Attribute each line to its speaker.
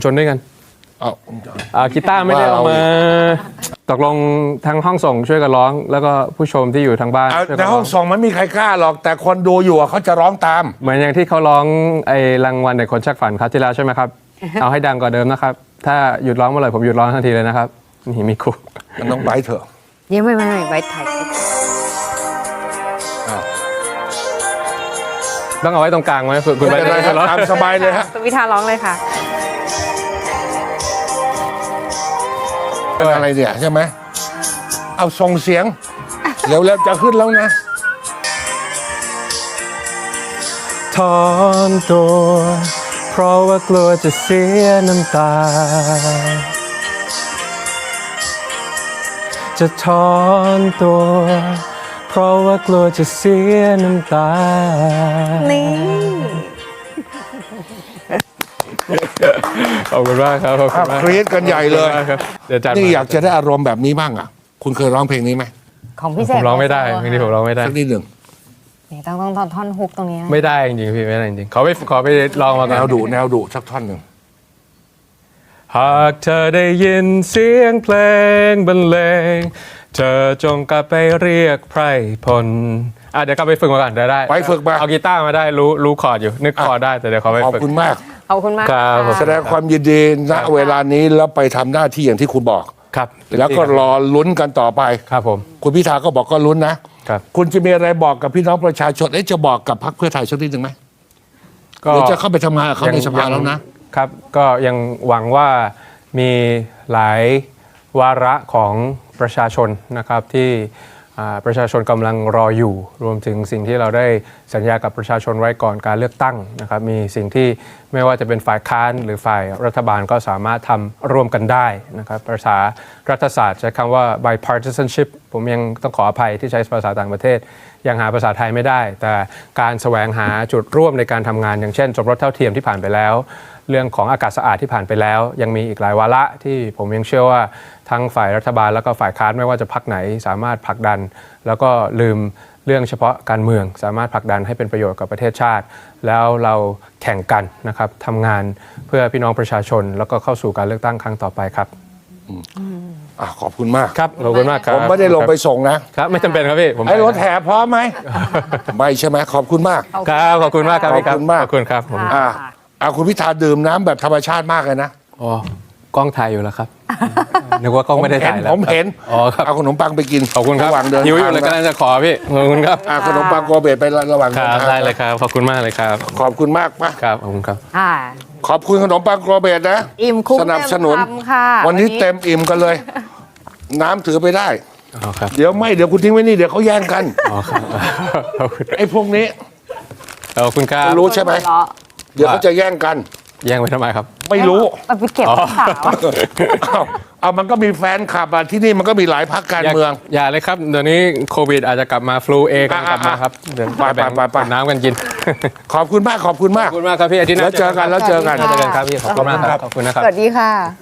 Speaker 1: ชนด้วยกัน
Speaker 2: เอา
Speaker 1: กีตาร์ไม่ได้เอามาตกลงทางห้องส่งช่วยกันร้อง แล้วก็ผู้ชมที่อยู่ทางบ้านช่วย
Speaker 2: ใน
Speaker 1: กัน
Speaker 2: ห้
Speaker 1: ร้
Speaker 2: องส่งมันไม่มีใครกล้าหรอก แต่คนดูอยู่อะเขาจะร้องตาม
Speaker 1: เหมือนอย่างที่เขาร้องไอ้รางวัลเด็กคนชักฝันครับที่แล้วใช่ไหมครับ เอาให้ดังกว่าเดิมนะครับถ้าหยุดร้องเมื่อไหร่ผมหยุดร้องทันทีเลยนะครับนี่มีครู
Speaker 2: มันต้องไปเถอะ
Speaker 3: ยังไม่ไว้ถ่ายคลิป
Speaker 1: ต้องเอาไว้ตรงกลางไหมคุณ
Speaker 2: ไม่
Speaker 1: ไป
Speaker 2: เป็นไรครับ
Speaker 1: ร้อง
Speaker 2: ตามสบายเลยฮะ
Speaker 3: คุณพิธาร้องเลยค่ะ
Speaker 2: เป็นอะไรเนี่ยใช่ไหมเอาส่งเสียงเร็วๆจะขึ้นแล้วนะ
Speaker 1: ถอนตัวเพราะว่ากลัวจะเสียน้ำตาจะถอนตัวเพราะว่ากลัวจะเสียน้ำตา
Speaker 3: นี่
Speaker 1: ขอบคุณมากครับขอบคุณมาก
Speaker 2: กรี๊ดกันใหญ่เลย
Speaker 1: ขอบคุณมากครับเดี๋ยวจัด
Speaker 2: นี่อยากจะได้อารมณ์แบบนี้บ้างอ่ะ คุณเคยร้องเพลงนี้ไหม
Speaker 3: ของพี่เส
Speaker 1: ผ
Speaker 3: ก
Speaker 1: มร้องไม่ได้เพลงนี้ผมร้องไม่ได้
Speaker 2: สักนิดหนึ่ง
Speaker 3: นี่ต้องท่อนฮุกตรงนี้นะ
Speaker 1: ไม่ได้จริงๆพี่ไม่ได้จริงๆขอไปลองมาก่
Speaker 2: แน
Speaker 1: อน
Speaker 2: วดุสักท่อนหนึ่ง
Speaker 1: หากเธอได้ยินเสียงเพลงบรรเลงเธอจงกลับไปเรียกไพรพลเดี๋ยวกลับไปฝึกมาก่อนได้
Speaker 2: ไปฝึกมา
Speaker 1: เอากีตาร์มาได้รู้คอร์ดอยู่นึกคอร์ดได้แต่เดี๋ยวขอไป
Speaker 2: ขอบ
Speaker 1: ฝึก
Speaker 2: คุณมาก
Speaker 3: ขอบคุณมาก
Speaker 1: ครับผม
Speaker 2: แสดงความยินดีณเวลานี้แล้วไปทำหน้าที่อย่างที่คุณบอก
Speaker 1: ครับ
Speaker 2: แล้วก็รอลุ้นกันต่อไป
Speaker 1: ครับผม
Speaker 2: คุณพิธาก็บอกก็ลุ้นนะครับ คุณจะมีอะไรบอกกับพี่น้องประชาชนจะบอกกับพรรคเพื่อไทยสักนิดหนึ่งไหม
Speaker 1: ก็
Speaker 2: เดี๋ยวจะเข้าไปทำงานกับเขาในสภาแล้วนะ
Speaker 1: ครับก็ยังหวังว่ามีหลายวาระของประชาชนนะครับที่ประชาชนกำลังรออยู่รวมถึงสิ่งที่เราได้สัญญากับประชาชนไว้ก่อนการเลือกตั้งนะครับมีสิ่งที่ไม่ว่าจะเป็นฝ่ายค้านหรือฝ่ายรัฐบาลก็สามารถทำร่วมกันได้นะครับภาษารัฐศาสตร์ใช้คำว่า bipartisanship ผมยังต้องขออภัยที่ใช้ภาษาต่างประเทศยังหาภาษาไทยไม่ได้ แต่การแสวงหาจุดร่วมในการทำงานอย่างเช่นสมรสเท่าเทียมที่ผ่านไปแล้วเรื่องของอากาศสะอาดที่ผ่านไปแล้วยังมีอีกหลายวาระที่ผมยังเชื่อว่าทั้งฝ่ายรัฐบาลแล้วก็ฝ่ายค้านไม่ว่าจะพรรคไหนสามารถผลักดันแล้วก็ลืมเรื่องเฉพาะการเมืองสามารถผลักดันให้เป็นประโยชน์กับประเทศชาติแล้วเราแข่งกันนะครับทำงานเพื่อพี่น้องประชาชนแล้วก็เข้าสู่การเลือกตั้งครั้งต่อไปครับ
Speaker 2: ขอบคุณมาก
Speaker 1: ครับขอบคุณมากครับ
Speaker 2: ผมไม่ได้ลงไปส่งนะครับ
Speaker 1: ไม่จำเป็นครับพี่ผม
Speaker 2: ไอ้รถแห่พร้อมไหม ไม่ใช่ไหมขอบคุณมาก
Speaker 1: ครับขอบคุณมากครับพี่
Speaker 2: ขอบคุณมาก
Speaker 1: ขอบคุณครับผม
Speaker 2: คุณพิธาดื่มน้ำแบบธรรมชาติมากเลยนะ
Speaker 1: อ๋อกล้องถ่ายอยู่แล้วครับนึกว่ากล้องไม่ได้ถ่ายแล้ว
Speaker 2: ผมเห็น
Speaker 1: อ๋อครับ
Speaker 2: เอาขนมปังไปกิน
Speaker 1: ขอบคุณครับ
Speaker 2: ระหว่างเดิน
Speaker 1: หิวอยู่เลย
Speaker 2: ทาง
Speaker 1: กำลังจะขอพี่ขอบคุณครับ
Speaker 2: ขนมปังโกเบตไประหว่าง
Speaker 1: ค
Speaker 2: เดิน
Speaker 1: รับ
Speaker 2: ทาง
Speaker 1: ได้เลยครับขอบคุณมากเลยครับ
Speaker 2: ขอบคุณมากปะ
Speaker 1: ครับขอบคุณครับ
Speaker 2: ขอบคุณขนมปังโกเบตนะ
Speaker 3: อิ่มคุ้ม
Speaker 2: สนับสนุน
Speaker 3: เต็มคำค่ะ
Speaker 2: วันนี้เต็มอิ่มกันเลย น้ำถือไปได้
Speaker 1: อ๋อครับ
Speaker 2: เดี๋ยวคุณทิ้งไว้นี่เดี๋ยวเขาแย่งกัน
Speaker 1: อ๋อครับขอบคุณ
Speaker 2: ไอ้พวกนี้
Speaker 1: ขอบคุณครับ
Speaker 2: รู้ใช่ไหม เดี๋ยวเขาจะแย่งกัน
Speaker 1: แย่งไปทำไมครับ
Speaker 2: ไม่รู้
Speaker 3: เอาไปเก็บรักษา
Speaker 2: เอามันก็มีแฟนคลับที่นี่มันก็มีหลายพรรคการเมือง
Speaker 1: อย่าเลยครับเดี๋ยวนี้โควิดอาจจะกลับมาฟลูเอกำลังกลับมาครับเดี๋ยว
Speaker 2: ไป
Speaker 1: แบ่ง
Speaker 2: ไป
Speaker 1: น้ำกันกิน
Speaker 2: ขอบคุณมากขอบคุณ
Speaker 1: ข
Speaker 2: มา
Speaker 1: อก บคุณมากครับพี่อาทิตย์หน้า
Speaker 2: แล้วเจอกัน
Speaker 1: เจอกันครับพี่ขอบคุณมากครับขอบคุณนะครับ
Speaker 3: สวัสดีค่ะ